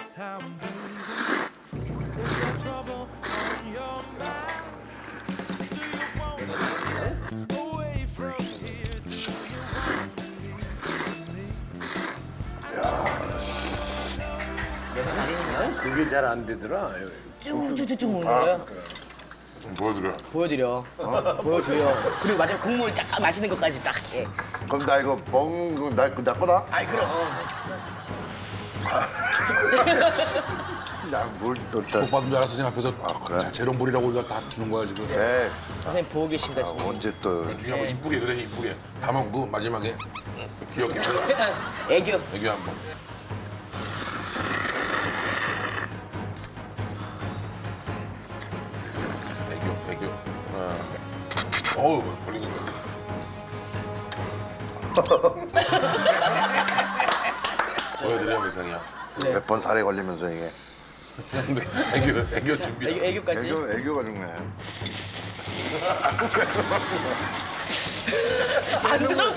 time, baby. Is there trouble on your mind? Do you want to get away from here? Do you want to leave me? 그게 잘 안 되더라. 쭉쭉쭉쭉 먹는 거예요? 보여드려. 보여드려. 보여드려. 그리고 마지막 국물 쫙 마시는 것까지 딱 해. 그럼 나 이거 먹은 거나 거다? 아이 그럼. 나물또 못 받은 줄 알았어 선생님 앞에서. 그래? 자, 재롱불이라고 우리가 다 주는 거야 지금. 네. 선생님 보고 계신다 지금. 언제 또 중에 한번 이쁘게 그래 이쁘게 다 먹고 마지막에 귀엽게 애교. 애교 한번. 애교. 어우 걸리는 거야. 보여드려 의상이야. 몇 번 살에 걸리면서 이게 근데 애교 준비. 애교까지. 애교가 중요해. 안 들어.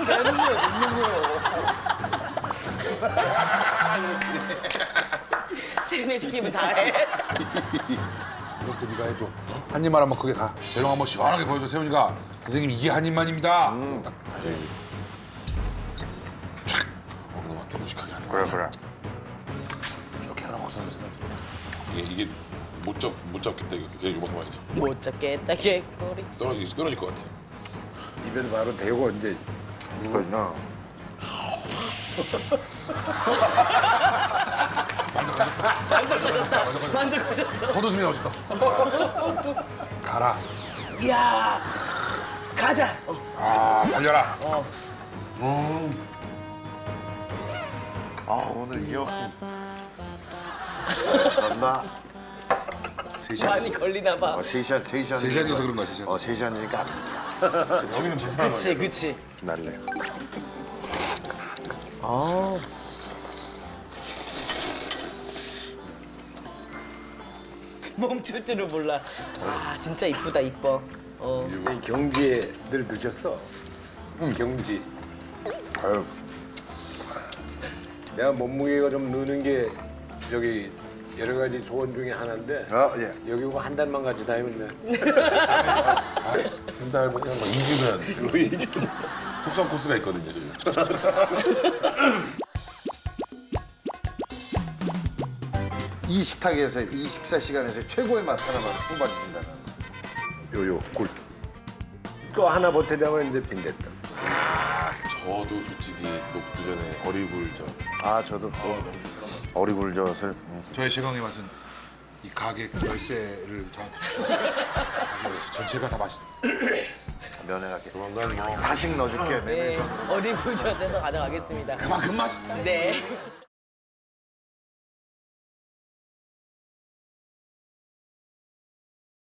세뇌시키면 다 해. 이것도 네가 해줘. 한 입만 한번 크게 가. 재롱 한번 시원하게 보여줘 세훈이가. 선생님 이게 한 입만입니다. 딱. 촥. 먹는 것 같아 무식하게 하는 거야. 그래. 이렇게 하나 먹어서 이게 못 잡겠다 이거. 그냥 이거 먹어봐야지. 못 잡겠다 개꼬리. 끊어질 것 같아. 입에 바로 대고 이제 그러나 만족하셨어. 헛웃음이 나오셨다. 가라. 이야. 가자. 아 달려라. 아 오늘 이어 맞나? 많이 걸리나 봐. 3시간 세시간에서 그런 거야, 3시간. 3시간이니까 안 여기는 불편한 거야. 그치. 날래. 멈출 줄을 몰라. 아 진짜 이쁘다 이뻐. 이 경지에 늘 드셨어. 경지. 아유 내가 몸무게가 좀 느는 게 저기 여러 가지 소원 중에 하나인데 예. 여기 오고 한 달만 같이 다니면 돼. 한달 그냥 막 2주면 속성 코스가 있거든요. 저기. 이 식탁에서 이 식사 시간에서 최고의 맛 하나만 뽑아주신다면 요요 굴. 또 하나 보태자면 이제 빈대떡. 저도 솔직히 녹두 전에 어리굴젓. 아 저도 또 어리굴젓을 저의 최강의 맛은 이 가게 열쇠를 저한테 주셨어요. 전체가 다 맛있. 면회할게. 조만간 뭐 사식 넣어줄게. 네. 어디 불젓에서 가져가겠습니다. 그만큼 맛있다. 네.